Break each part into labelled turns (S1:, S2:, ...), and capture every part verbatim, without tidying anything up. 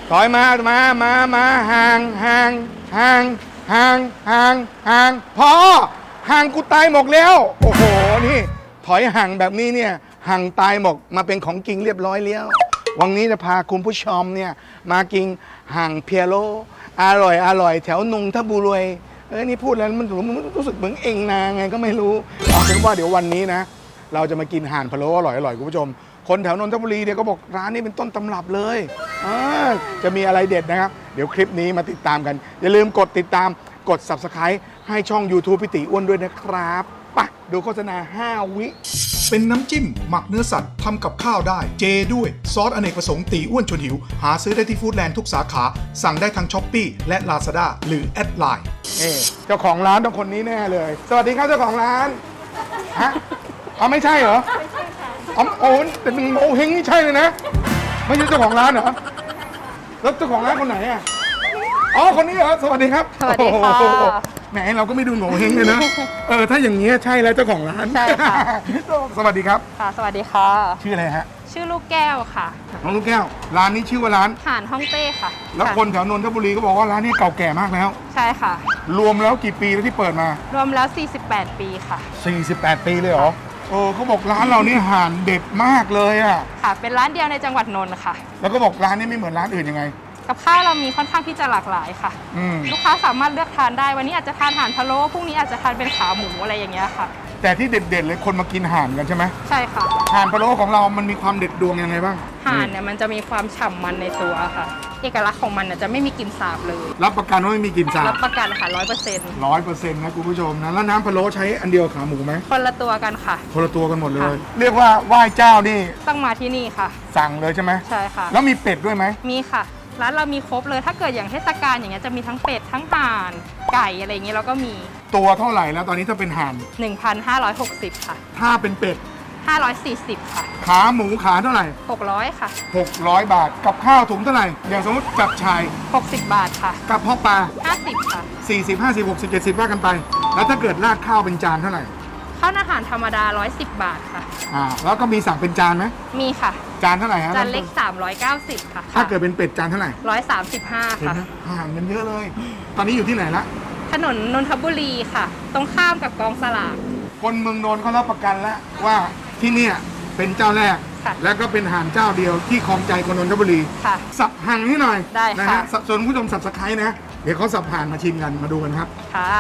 S1: ถอยมามามามาห่างห่างห่างห่างห่างห่างพอห่างกูตายหมกแล้วโอ้โหนี่ถอยห่างแบบนี้เนี่ยห่างตายหมกมาเป็นของจริงเรียบร้อยแล้ววันนี้จะพาคุณผู้ชมเนี่ยมากินห่างเพียโลอร่อยอร่อยแถวนงทบุรีเอ้ยนี่พูดแล้วมันรู้สึกเหมือนเองนาไงก็ไม่รู้เอาเป็นว่าเดี๋ยววันนี้นะเราจะมากินห่านพะโล้อร่อยอร่อยคุณผู้ชมคนแถวนนทบุรีเนี่ยก็บอกร้านนี้เป็นต้นตำรับเลยจะมีอะไรเด็ดนะครับเดี๋ยวคลิปนี้มาติดตามกันอย่าลืมกดติดตามกด ซับสไครบ์ ให้ช่อง ยูทูบ พี่ตีอ้วนด้วยนะครับไปดูโฆษณาห้าวิ
S2: เป็นน้ำจิ้มหมักเนื้อสัตว์ทำกับข้าวได้เจด้วยซอสอเนกประสงค์ตีอ้วนชวนหิวหาซื้อได้ที่ฟู้ดแลนด์ทุกสาขาสั่งได้ทางช้อปปี้และลาซาด้าหรือแอดไลน์
S1: เจ้าของร้านต้องคนนี้แน่เลยสวัสดีครับเจ้าของร้านฮะอ๋อไม่ใช่เหรอไม่ใช่ค่ะอ๋อโอ้แต่เป็นโมเฮงนี่ใช่เลยนะไม่ใช่เจ้าของร้านเหรอแล้วเจ้าของร้านคนไหนอ่ะอ๋อคนนี้เหรอสวัสดีครับ
S3: สวัสดีค่ะ
S1: แหมเราก็ไม่ดูโง่เฮงเลยนะเออถ้าอย่างนี้ใช่แล้วเจ้าของร้าน
S3: ใช่ค่ะ
S1: สวัสดีครับ
S3: ค่ะสวัสดีค่ะ
S1: ชื่ออะไรฮะ
S3: ชื่อลูกแก้วค่ะ
S1: น้องลูกแก้วร้านนี้ชื่อว่าร้าน
S3: ห่านฮ่องเต้ค่ะ
S1: แล้วคนแถวนนทบุรีก็บอกว่าร้านนี้เก่าแก่มากแล้ว
S3: ใช่ค่ะ
S1: รวมแล้วกี่ปีแล้วที่เปิดมาร
S3: วมแล้วสี่สิบแปดปีค่ะ
S1: สี่สิบแปดปีเลยเหรอโอ้เขาบอกร้านเรานี่ห่านเด็ดมากเลยอ่ะ
S3: ค่ะเป็นร้านเดียวในจังหวัดนนท์ค่ะ
S1: แล้วก็บอกร้านนี้ไม่เหมือนร้านอื่นยังไง
S3: กับข้าวเรามีค่อนข้างที่จะหลากหลายค่ะลูกค้าสามารถเลือกทานได้วันนี้อาจจะทานห่านพะโล้พรุ่งนี้อาจจะทานเป็นขาหมูอะไรอย่างเงี้ยค่ะ
S1: แต่ที่เด็ดๆเลยคนมากินห่านกันใช่ไหม
S3: ใช่ค่ะ
S1: ห่านพะโล้ของเรามันมีความเด็ดดวงยังไงบ้าง
S3: ห่านเนี่ยมันจะมีความฉ่ำมันในตัวค่ะเอกลักษณ์ของมันจะไม่มีกลิ่นสาบเลย
S1: รับประกันว่าไม่มีกลิ่นสาบ
S3: รับประกันค่ะร้อยเปอร์เซ็นต์
S1: ร้อยเปอร์เซ็นต์นะคุณผู้ชมนะแล้วน้ำพะโล้ใช้อันเดียวขาหมูไหม
S3: คนละตัวกันค่ะ
S1: คนละตัวกันหมดเลยเรียกว่าไหว้เจ้านี่
S3: ต้องมาที่นี่ค่ะ
S1: สั่งเลยใช่ไหม
S3: ใช่ค่ะ
S1: แล้วมีเป็ดด้วยไหม
S3: มีค่ะร้านเรามีครบเลยถ้าเกิดอย่างเทศกาลอย่างเงี้ยจะมีทั้งเป็ดทั้งห่านไก่อะไรอย่างเงี้ยเราก็มี
S1: ตัวเท่าไหร่แล้วตอนนี้ถ้าเป็นห่าน
S3: หนึ่งพันห้าร้อยหกสิบ ค่ะ
S1: ถ้าเป็นเป็ด
S3: ห้าร้อยสี่สิบค่ะ
S1: ขาหมูขาเท่าไหร่
S3: หกร้อยค่ะ
S1: หกร้อยบาทกับข้าวถุงเท่าไหร่อย่างสมมติจับชาย
S3: หกสิบบาทค่ะ
S1: กับพ่อปลา
S3: ห้าสิบค่ะ
S1: สี่สิบ ห้าสิบ หกสิบ เจ็ดสิบว่ากันไปแล้วถ้าเกิดราดข้าวเป็นจานเท่าไหร่
S3: ข้าวอาหารธรรมดาหนึ่งร้อยสิบบาทค่ะ
S1: อ่าแล้วก็มีสั่งเป็นจานไหม
S3: มีค่ะ
S1: จานเท่าไหร่ฮะ
S3: จานเล็กสามร้อยเก้าสิบค่ะ
S1: ถ้าเกิดเป็นเป็ดจานเท่าไหร่
S3: หนึ่งร้อยสามสิบห้าค่ะ
S1: ห่างกันเยอะเลยตอนนี้อยู่ที่ไหนละ
S3: ถนนนนทบุรีค่ะตรงข้ามกับกองสลาก
S1: คนเมืองนนท์เขารับประกันแล้วว่าที่เนี่ยเป็นเจ้าแรกแล้วก็เป็นห่านเจ้าเดียวที่ครองใจคนนนทบุรีสับห่างนิดหน่อย
S3: ได้
S1: นะฮะส่วนผู้ชมสับสไครต์นะเดี๋ยวเขาสับห่านมาชิมกันมาดูกันครับ
S3: ค่ะ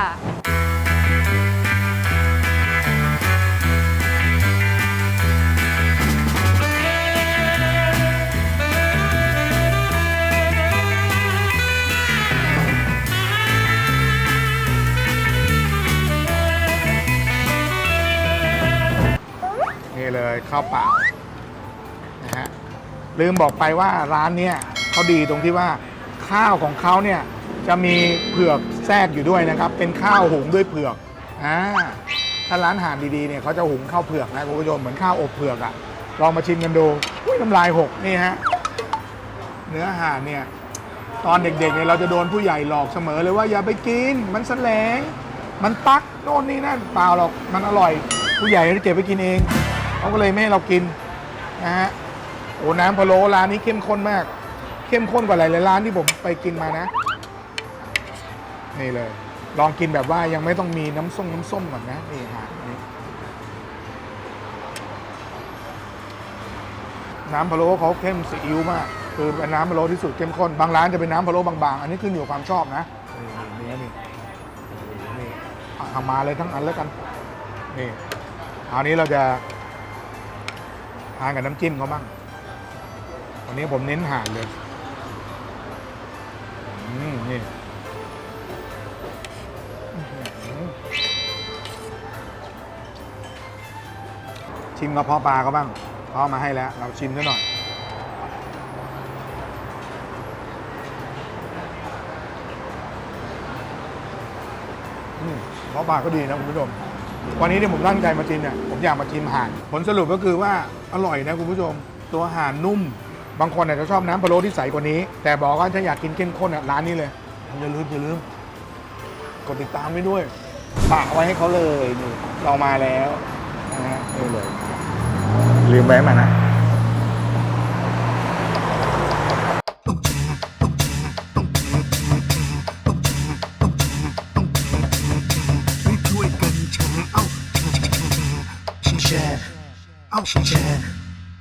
S1: นี่เลยข้าวเปล่านะฮะลืมบอกไปว่าร้านเนี้ยเขาดีตรงที่ว่าข้าวของเขาเนี่ยจะมีเผือกแทรกอยู่ด้วยนะครับเป็นข้าวหุงด้วยเผือกอ่าถ้าร้านอาหารดีๆเนี่ยเขาจะหุงข้าวเผือกนะคุณผู้ชมเหมือนข้าวอบเผือกอะลองมาชิมกันดูน้ำลายหกนี่ฮะเนื้อห่านเนี่ยตอนเด็กๆเนี่ยเราจะโดนผู้ใหญ่หลอกเสมอเลยว่าอย่าไปกินมันแสลงมันปักโน่นนี่นั่นเปล่าหรอกมันอร่อยผู้ใหญ่จะเก็บไปกินเองเขาก็เลยไม่ให้เรากินนะฮะโอ้น้ำพะโล้ร้านนี้เข้มข้นมากเข้มข้นกว่าหลายๆร้านที่ผมไปกินมานะนี่เลยลองกินแบบว่ายังไม่ต้องมีน้ำส้มน้ำส้มก่อนนะนี่ฮะนี่น้ำพะโล้เขาเข้มซีอิ๊วมากคือเป็นน้ำพะโล้ที่สุดเข้มข้นบางร้านจะเป็นน้ำพะโล้บางๆอันนี้ขึ้นอยู่กับความชอบนะนี่นี่นี่ทำมาเลยทั้งอันแล้วกันนี่อันนี้เราจะทานกับน้ำจิ้มเขาบ้างวันนี้ผมเน้นห่านเลยอืมนี่ชิมกระเพาะปลาเขาบ้างเขาเอามาให้แล้วเราชิมด้วยหน่อยอืมกระเพาะปลาก็ดีนะคุณผู้ชมวันนี้ที่ผมตั้งใจมาชิมเนี่ยผมอยากมาชิมห่านผลสรุปก็คือว่าอร่อยนะคุณผู้ชมตัวห่านนุ่มบางคนอาจจะชอบน้ำพะโล้ที่ใสกว่านี้แต่บอกว่าถ้าอยากกินเข้มข้นอ่ะร้านนี้เลยอย่าลืมอย่าลืมกดติดตามไว้ด้วยฝากไว้ให้เขาเลยนี่เรามาแล้วนะฮะนี่เลยลืมไว้มานะ
S2: แชร์เอาแชร์